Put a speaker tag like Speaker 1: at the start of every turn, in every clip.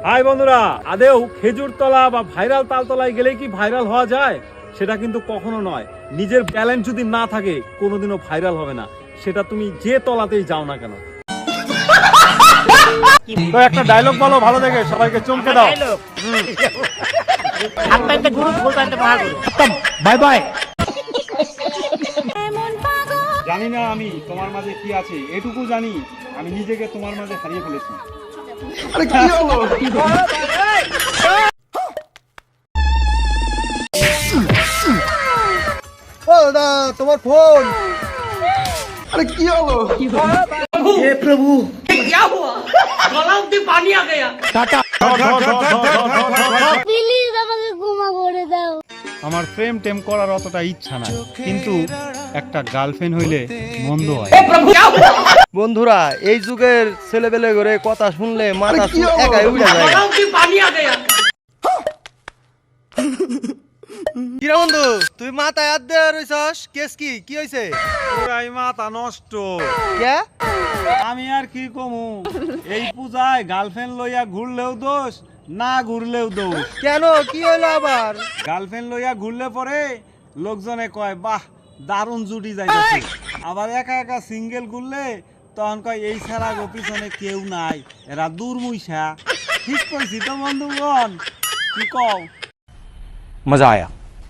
Speaker 1: High বন্ধুরা, আদেও খেজুর তলা বা ভাইরাল তালতলায় গেলে কি ভাইরাল হওয়া যায়? সেটা কিন্তু কখনো নয়। নিজের ট্যালেন্ট যদি না থাকে কোনোদিনও ভাইরাল হবে না, সেটা তুমি যে তলাতেই যাও না কেন। তো একটা ডায়লগ বলো ভালো দেখে, সবাইকে চমকে দাও।
Speaker 2: Bye bye.
Speaker 1: জানি না আমি তোমার মাঝে কি আছে, এটুকু জানি আমি নিজেকে তোমার মাঝে হারিয়ে ফেলেছি।
Speaker 2: আরে কি হলো? ও দা তোমার ফোন। अरे क्या হলো? हे प्रभु क्या हुआ? गला में पानी आ गया। टाटा।
Speaker 3: প্লিজ আমাকে ক্ষমা করে দাও।
Speaker 1: আমার প্রেম টেম করার অতটা ইচ্ছা নাই, কিন্তু একটা গার্লফ্রেন্ড হইলে মন্দ হয়।
Speaker 2: বন্ধুরা, এই যুগের ছেলেবেলে করে কথা শুনলে মাথা একাই উড়ে যায়। কিরা বন্ধু, তুই মাথায় হাত দিয়ে রইছস, কেস কি হইছে?
Speaker 1: পুরাই মাথা নষ্ট।
Speaker 2: কে?
Speaker 1: আমি আর কি কমু, এই পূজায় গার্লফ্রেন্ড লইয়া ঘুরলেও দোষ, না ঘুরলেও দোষ।
Speaker 2: কেন, কি হইলো আবার?
Speaker 1: গার্লফ্রেন্ড লইয়া ঘুরলে পরে লোকজনে কয় বাহ দারুণ জুটি যাইতেছে, আবার একা একা সিঙ্গেল ঘুরলে তখন কয় এই ছাড়া গো পিছনে কেউ নাই, এরা দুর্মুইসা। ঠিক কইছি তো বন্ধুগণ, কি কও?
Speaker 2: মজা আয়া।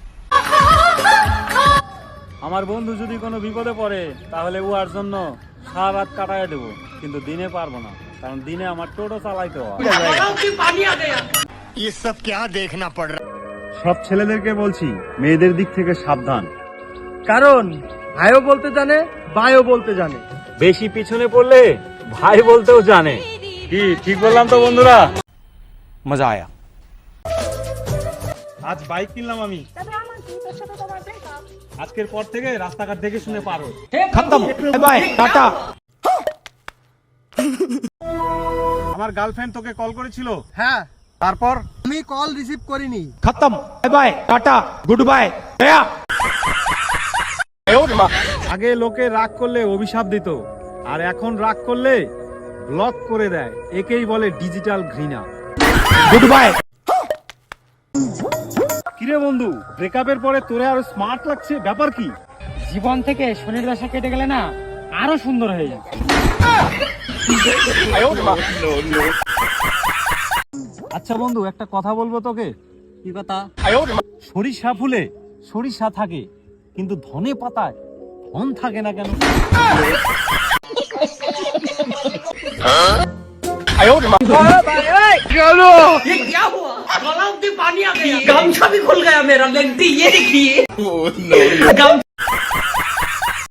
Speaker 1: আমার বন্ধু যদি কোনো বিপদে পড়ে তাহলে উহার জন্য সারা রাত কাটায় দেবো, কিন্তু দিনে পারবো না, কারণ দিনে আমার টোটো চালাইতে হয়। সব ছেলেদেরকে বলছি, মেয়েদের দিক থেকে সাবধান,
Speaker 2: কারণ ভাইও বলতে জানে, ভাইও বলতে জানে।
Speaker 1: বেশি পিছনে পড়লে ভাই বলতেও জানে। কি ঠিক বললাম তো বন্ধুরা?
Speaker 2: মজা আয়া।
Speaker 1: আজ বাইক কিনলাম আমি, আজকের পর থেকে রাস্তাঘাট দেখে শুনে পারো।
Speaker 2: খতম, বাই বাই, টাটা।
Speaker 1: আমার গার্লফ্রেন্ড তোকে কল করেছিল?
Speaker 2: হ্যাঁ,
Speaker 1: তারপর?
Speaker 2: আমি কল রিসিভ করিনি। খতম, bye bye, tata, good bye, গয়া।
Speaker 1: আগে লোকে রাগ করলে অভিশাপ দিত, আর এখন রাগ করলে ব্লক করে দেয়। একেই বলে ডিজিটাল ঘৃণা।
Speaker 2: Good bye.
Speaker 1: কিরে বন্ধু, ব্রেকআপের পরে তোরে আরো স্মার্ট লাগছে, ব্যাপার কি?
Speaker 4: জীবন থেকে শনির দশা কেটে গেলে না আরো সুন্দর হয়ে যায়।
Speaker 1: আচ্ছা বন্ধু, একটা কথা বলবো তোকে।
Speaker 4: কি কথা?
Speaker 1: সরিষা ফুলে সরিষা থাকে, কিন্তু ধনে পাতায় ধন থাকে না কেন?
Speaker 4: गमछा भी खुल गया मेरा, लेंटी ये देखिए।